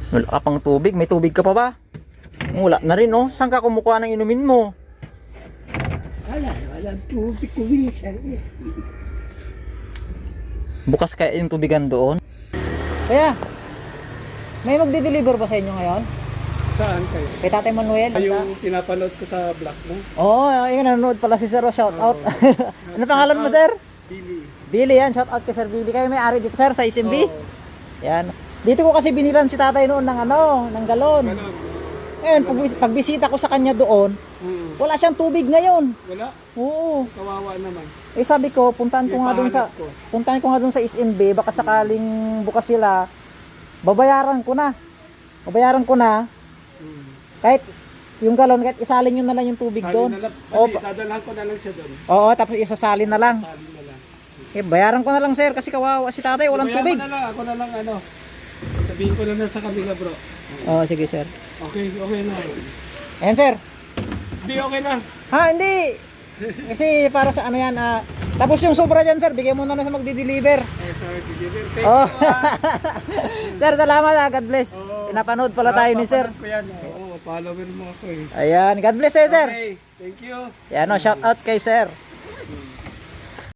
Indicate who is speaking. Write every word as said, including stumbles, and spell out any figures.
Speaker 1: Wala ka pang tubig. May tubig ka pa ba? Wala na rin, oh. Saan ka kumukuha ng inumin mo?
Speaker 2: Wala, walang tubig ko minsan eh.
Speaker 1: Bukas kaya yung tubigan doon? Kaya, may magdi-deliver ba sa inyo ngayon?
Speaker 2: Saan kayo?
Speaker 1: Kay Tatay Manuel?
Speaker 2: Yung pinapanood ko sa vlog mo?
Speaker 1: Oo, oh, yun, nanonood pala si Sir. Oh, shout out. Ano pangalan mo, Sir?
Speaker 2: Billy.
Speaker 1: Billy, yan. Shout out kay Sir Billy. Kayo may ari dito, Sir, sa S M B?
Speaker 2: Oo.
Speaker 1: Yan. Dito ko kasi binilan si Tatay noon ng ano, ng galon.
Speaker 2: Ganon.
Speaker 1: Ngayon, pag, pagbisita ko sa kanya doon,
Speaker 2: Hmm.
Speaker 1: wala siyang tubig ngayon.
Speaker 2: Wala.
Speaker 1: Oo.
Speaker 2: Kawawa naman.
Speaker 1: Eh sabi ko, puntahan ko nga doon sa
Speaker 2: Ipahanap ko.
Speaker 1: puntahan ko nga doon sa S M B, baka sakaling bukas sila, babayaran ko na. Babayaran ko na
Speaker 2: Hmm.
Speaker 1: kahit yung galon, kahit isalin nyo na lang yung tubig
Speaker 2: Salin
Speaker 1: doon.
Speaker 2: na lang.
Speaker 1: Oo,
Speaker 2: Hindi,
Speaker 1: pa-
Speaker 2: dadalhan ko na lang siya doon.
Speaker 1: oo, tapos isasalin na lang.
Speaker 2: Salin na lang.
Speaker 1: Eh, bayaran ko na lang, sir, kasi kawawa si Tatay, walang
Speaker 2: Babayaran
Speaker 1: tubig.
Speaker 2: ko na lang. Ako na lang ano. Sabihin ko na lang sa kanila bro.
Speaker 1: Oo, sige, sir.
Speaker 2: Okay, okay na.
Speaker 1: Ayan, sir.
Speaker 2: Hindi, okay na.
Speaker 1: Ha, hindi. Kasi para sa ano yan, ah, tapos yung sobra dyan, sir, bigay mo na na sa magdi-deliver.
Speaker 2: Eh, sorry, deliver. Thank
Speaker 1: Oh.
Speaker 2: you. ah.
Speaker 1: Sir, salamat, ah. God bless.
Speaker 2: Oo.
Speaker 1: Pinapanood pala tayo ni sir.
Speaker 2: Papanood ko yan. Oo, follower mo ako eh.
Speaker 1: Ayan, God bless, eh, sir.
Speaker 2: Okay, thank you.
Speaker 1: Yan, oh, shout out kay sir.